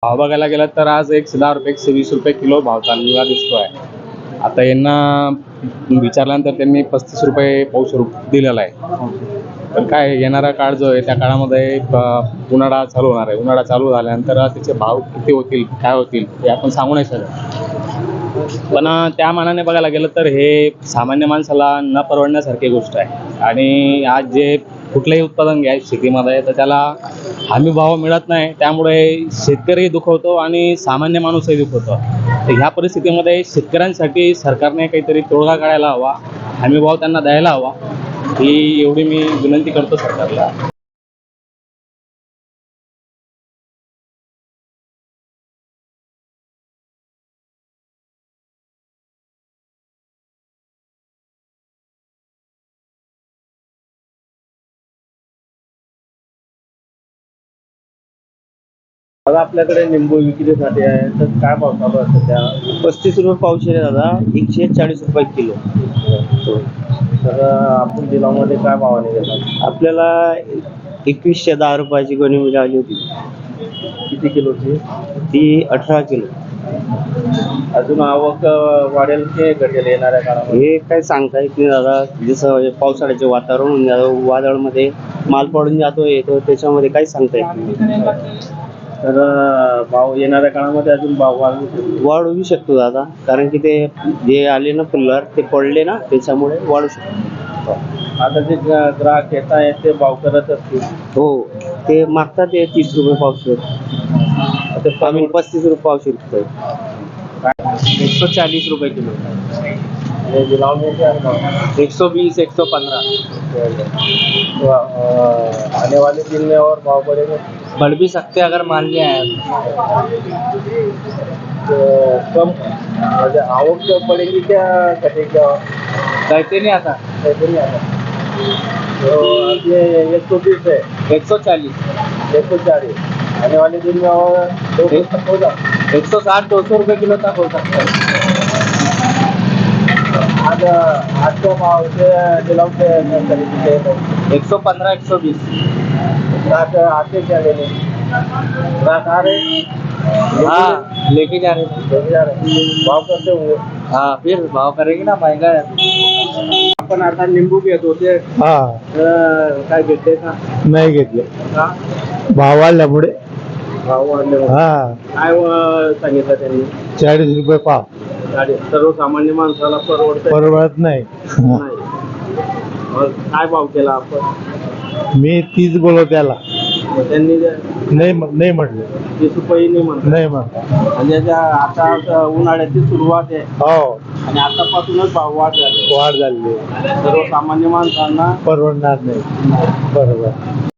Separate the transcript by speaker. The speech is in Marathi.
Speaker 1: भाव बघायला गेला तर आज 110 रुपये 120 रुपये किलो भाव चाललेला दिसतोय. आता यांना विचारल्यानंतर त्यांनी 35 रुपये पाऊस दिलेला आहे. पण काय येणारा काळ जो आहे त्या काळामध्ये उन्हाळा चालू होणार आहे. उन्हाळा चालू झाल्यानंतर त्याचे भाव किती होतील काय होतील हे आपण सांगू नाही शकत. पण त्या मानाने बघायला गेलं तर हे सामान्य माणसाला न परवडण्यासारखी गोष्ट आहे. आणि आज जे कुठलंही उत्पादन घ्या शेतीमध्ये तर त्याला हमी भाव मिळत नाही, त्यामुळे शेतकरी दुखवतो आणि सामान्य माणूसही दुखवतो. तर ह्या परिस्थितीमध्ये शेतकऱ्यांसाठी सरकारने काहीतरी तोडगा काढायला हवा, हमी भाव त्यांना द्यायला हवा, ही एवढी मी विनंती करतो सरकारला.
Speaker 2: दादा आपल्याकडे लिंबू विक्रीसाठी आहे तर काय भाव चालू आहे सध्या?
Speaker 3: 35 रुपये पावशेर आहे दादा, 140 रुपये किलो.
Speaker 2: तर आपण दिलामध्ये काय भावाने घेतात?
Speaker 3: आपल्याला 2110 रुपयाची गोणी मिळाली होती.
Speaker 2: किती किलोची?
Speaker 3: ती 18 किलो.
Speaker 2: अजून आवक वाढेल की घटेल येणाऱ्या काळामध्ये?
Speaker 3: हे काय सांगता येत नाही दादा. जसं पावसाळ्याचे वातावरण होऊन जातं, वादळमध्ये माल पडून जातो येतो, त्याच्यामध्ये काही सांगता येत नाही.
Speaker 2: तर भाव येणाऱ्या काळामध्ये अजून भाव
Speaker 3: वाढू शकतो दादा, कारण की ते जे आले ना फुल्लर ते पडले ना, त्याच्यामुळे वाढू शकतो.
Speaker 2: आता जे ग्राहक येत आहेत ते भाव करत असतील.
Speaker 3: हो, ते मागतात ते 30 रुपये पावशेर. आम्ही 35 रुपये पावशेर विकतोय. 140 रुपये किलो.
Speaker 2: दिलाव में क्या भाव?
Speaker 3: 120, 115.
Speaker 2: तो आने वाले दिन में और भाव बढ़ेगा?
Speaker 3: बढ़ भी सकते हैं अगर मान लिया है.
Speaker 2: तो कम म्हणजे आवक पडेगी क्या घटेगा?
Speaker 3: कहते नहीं आता.
Speaker 2: ऐसे नहीं आता. तो आपने 120 है,
Speaker 3: 140,
Speaker 2: 140 आने वाले दिन में और 200 तक होगा.
Speaker 3: 160, 200 रुपये किलो तक हो सकता है.
Speaker 2: आज आज के भाव से दिलाव के खरीदते हैं.
Speaker 3: 115, 120.
Speaker 2: ग्राहक आते क्या लेने? ग्राहक आ रहे?
Speaker 3: हाँ, लेके जा रहे हैं.
Speaker 2: लेके जा रहे भाव करते होंगे.
Speaker 3: हाँ, फिर भाव करेंगे ना, महंगा है.
Speaker 2: आपण आता लिंबू घेत होते
Speaker 4: हा,
Speaker 2: काय घेते का?
Speaker 4: नाही घेतले.
Speaker 2: का?
Speaker 4: भाव वाढल्यामुळे.
Speaker 2: भाव वाढले.
Speaker 4: हा,
Speaker 2: काय सांगितलं त्यांनी?
Speaker 4: 40 रुपये पाव.
Speaker 2: सर्वसामान्य माणसाला परवडत
Speaker 4: परवडत नाही.
Speaker 2: नाही. मग काय भाव केला आपण?
Speaker 4: मी 30 बोलव त्याला.
Speaker 2: मग त्यांनी
Speaker 4: नाही नाही म्हटलं.
Speaker 2: 30 रुपये नाही म्हणतात.
Speaker 4: नाही म्हटलं.
Speaker 2: म्हणजे आता उन्हाळ्याची सुरुवात आहे
Speaker 4: हो,
Speaker 2: आणि आतापासूनच भाव वाढ झाली.
Speaker 4: वाढ झाली.
Speaker 2: सर्वसामान्य माणसांना
Speaker 4: परवडणार नाही. बरोबर.